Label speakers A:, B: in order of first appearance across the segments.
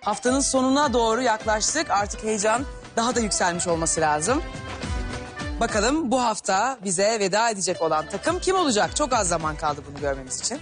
A: Haftanın sonuna doğru yaklaştık. Artık heyecan daha da yükselmiş olması lazım. Bakalım bu hafta bize veda edecek olan takım kim olacak? Çok az zaman kaldı bunu görmemiz için.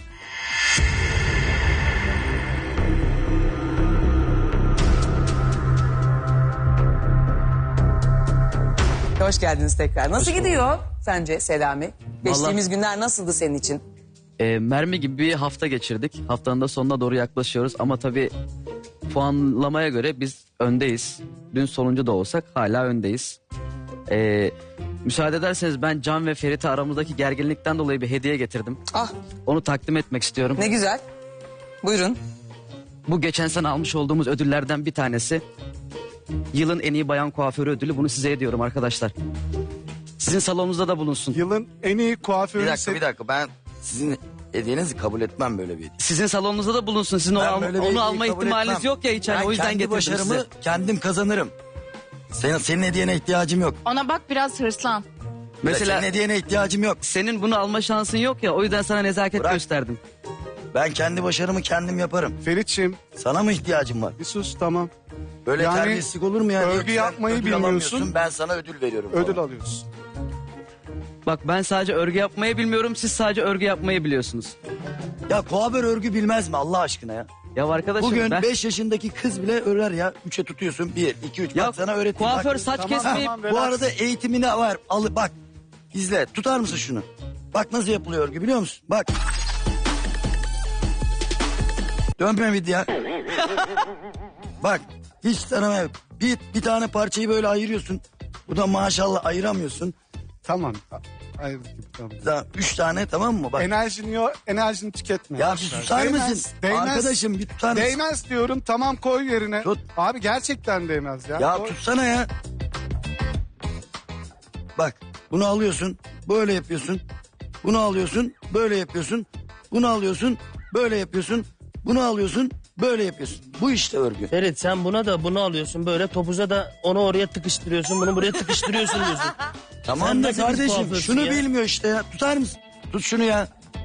A: Hoş geldiniz tekrar. Nasıl gidiyor sence Selami? Geçtiğimiz günler nasıldı senin için?
B: Mermi gibi bir hafta geçirdik. Haftanın da sonuna doğru yaklaşıyoruz. Ama tabii puanlamaya göre biz öndeyiz. Dün sonuncu da olsak hala öndeyiz. Müsaade ederseniz ben Can ve Ferit'e aramızdaki gerginlikten dolayı bir hediye getirdim.
A: Ah,
B: Onu takdim etmek istiyorum.
A: ne güzel. Buyurun.
B: Bu geçen sene almış olduğumuz ödüllerden bir tanesi. Yılın en iyi bayan kuaförü ödülü. Bunu size ediyorum arkadaşlar. Sizin salonunuzda da bulunsun.
C: Yılın en iyi kuaförü...
D: Bir dakika ben sizin hediyenizi kabul etmem böyle bir hediye.
B: Sizin salonunuzda da bulunsun. Sizin
D: Ben böyle bir
B: onu
D: hediyeyi
B: alma
D: kabul
B: ihtimaliniz
D: etmem.
B: yok ya hiç. Hani
D: Ben
B: o yüzden
D: kendi
B: getirdim
D: başarımı
B: size.
D: kendim kazanırım. Senin hediyene ihtiyacım yok.
E: Ona bak biraz hırslan.
B: Mesela
D: Senin hediyene ihtiyacım yok.
B: senin bunu alma şansın yok ya. O yüzden sana nezaket
D: Bırak.
B: gösterdim.
D: Ben kendi başarımı kendim yaparım.
C: Ferit'ciğim
D: Sana mı ihtiyacım var?
C: bir sus, tamam.
D: Böyle
C: Yani
D: terbiyesizlik olur mu ya?
C: örgü
D: Sen
C: yapmayı
D: ödül
C: bilmiyorsun.
D: alamıyorsun, ben sana ödül veriyorum.
C: Ödül
D: falan.
C: alıyorsun.
B: Bak ben sadece örgü yapmayı bilmiyorum. Siz sadece örgü yapmayı biliyorsunuz.
D: Ya kuaför örgü bilmez mi Allah aşkına ya?
B: Ya arkadaşım
D: Bugün
B: ben...
D: 5 yaşındaki kız bile örer ya. 3'e tutuyorsun. 1, 2, 3.
B: Ya
D: Bak sana öğreteyim.
B: kuaför
D: Bak.
B: saç
C: Tamam,
B: kesmeyi...
C: tamam.
D: Bu
C: Relax.
D: arada eğitimine var. Al, bak. İzle. Tutar mısın şunu? Bak nasıl yapılıyor örgü biliyor musun? Bak. Dönme video. Bak. Hiç tanıma yok. Bir tane parçayı böyle ayırıyorsun. Bu da maşallah ayıramıyorsun.
C: Tamam. Ayırdık gibi, tamam.
D: Daha 3 tane tamam mı? Bak.
C: Enerjini tüketme.
D: Ya bir susar mısın? Arkadaşım bir tutar mısın?
C: Değmez diyorum, tamam, koy yerine.
D: Tut.
C: Abi gerçekten değmez ya.
D: Ya
C: Koy.
D: tutsana ya. Bak bunu alıyorsun. Böyle yapıyorsun. Bunu alıyorsun. Böyle yapıyorsun. Bunu alıyorsun. Böyle yapıyorsun. Bunu alıyorsun. Böyle yapıyorsun. Bu işte örgü.
F: Ferit sen buna da bunu alıyorsun böyle topuza da onu oraya tıkıştırıyorsun bunu buraya tıkıştırıyorsun diyorsun.
D: Tamam
F: Sen
D: da
F: nasıl bir
D: kardeşim
F: kuaförsün
D: şunu
F: ya?
D: bilmiyor işte ya. Tutar mısın? Tut şunu ya.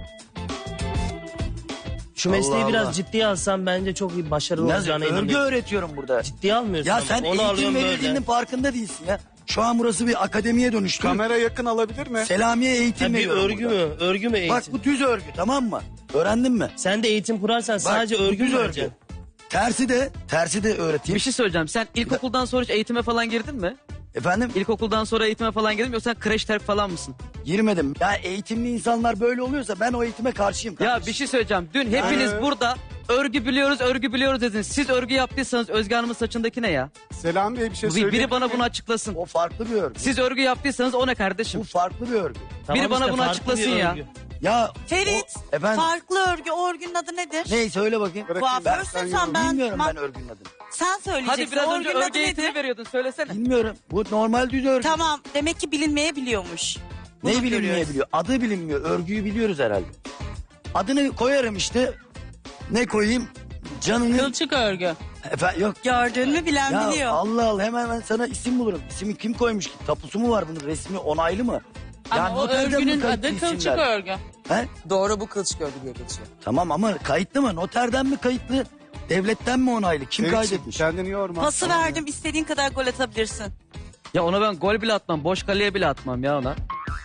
F: Şu mesleği
D: Allah
F: biraz
D: Allah.
F: ciddiye alsan bence çok iyi başarılı
D: Nasıl
F: olacağına
D: örgü
F: inanıyorum.
D: öğretiyorum burada.
F: Ciddiye almıyorsun
D: Ya
F: ama.
D: sen
F: Onu
D: eğitim
F: alıyorsun
D: verildiğinin
F: böyle.
D: farkında değilsin ya. Şu an burası bir akademiye dönüştü.
C: Kamera yakın alabilir mi?
D: Selamiye eğitim
F: Ha, bir
D: veriyorum
F: örgü
D: burada.
F: mü? Örgü mü eğitim?
D: Bak bu düz örgü tamam mı? Öğrendin mi?
F: Sen de eğitim kurarsan sadece
D: bu
F: örgü
D: düz
F: mü
D: örgü.
F: öğreteceksin?
D: Tersi de öğreteyim.
B: Bir şey söyleyeceğim. Sen ilkokuldan sonra hiç eğitime falan girdin mi?
D: Efendim?
B: İlkokuldan sonra eğitime falan girdin mi? Yoksa sen kreş terk falan mısın?
D: Girmedim. Ya eğitimli insanlar böyle oluyorsa ben o eğitime karşıyım kardeşim.
B: Ya bir şey söyleyeceğim. Dün hepiniz burada örgü biliyoruz dediniz. Siz örgü yaptıysanız Özge Hanım'ın saçındaki ne ya?
C: Selam Bey bir şey söyleyeyim.
B: Biri bana bunu açıklasın.
D: O farklı bir örgü.
B: Siz örgü yaptıysanız o ne kardeşim?
D: Bu farklı bir örgü.
F: Tamam
B: Biri bana
F: işte,
B: bunu
F: farklı
B: açıklasın
F: bir
B: ya.
F: örgü.
D: Ya
G: Ferit,
D: efendim
G: farklı örgü, o örgünün adı nedir?
D: ne söyle bakayım.
C: Bırakayım.
G: Kuaförsün sen, ben
D: Bilmiyorum ben örgünün adını.
G: Sen söyleyeceksin.
B: Hadi biraz
G: o
B: önce
G: örgünün adı
B: örgü eğitimi
G: nedir?
B: veriyordun. Söylesene.
D: Bilmiyorum. Bu normal düz örgü.
G: Tamam, demek ki bilinmeyebiliyormuş. Bunu
D: Ne bilinmeyebiliyor?
G: görüyoruz.
D: Adı bilinmiyor. Örgüyü biliyoruz herhalde. Adını koyarım işte. Ne koyayım? Canını...
E: Kılçık örgü.
D: Efendim yok.
G: Gördün mü bilen
D: Ya
G: biliyor.
D: Allah Allah hemen ben sana isim bulurum. İsmi kim koymuş ki? Tapusu mu var bunun? Resmi onaylı mı?
E: Ama o
D: noterden mi
E: örgünün
D: kayıtlı
E: adı kılçık
D: isimler?
E: örgü.
D: He?
A: Doğru, bu kılçık örgü diye geçiyor.
D: Tamam ama kayıtlı mı? Noterden mi kayıtlı? Devletten mi onaylı? Kim
C: Ferit'ciğim,
D: kaydetmiş?
C: kendini yorma.
G: Pası
C: Tamam ya.
G: verdim, istediğin kadar gol atabilirsin.
B: Ya ona ben gol bile atmam. Boş kaleye bile atmam ya ona.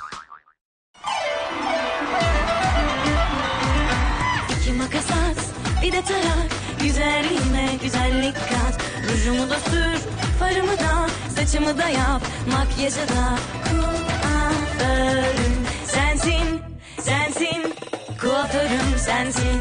H: İki makas at, bir de tarak. Güzelliğime güzellik kat. Rujumu da sür, farımı da, saçımı da yap. Makyajı da kuaförüm sensin, sensin. Kuaförüm sensin.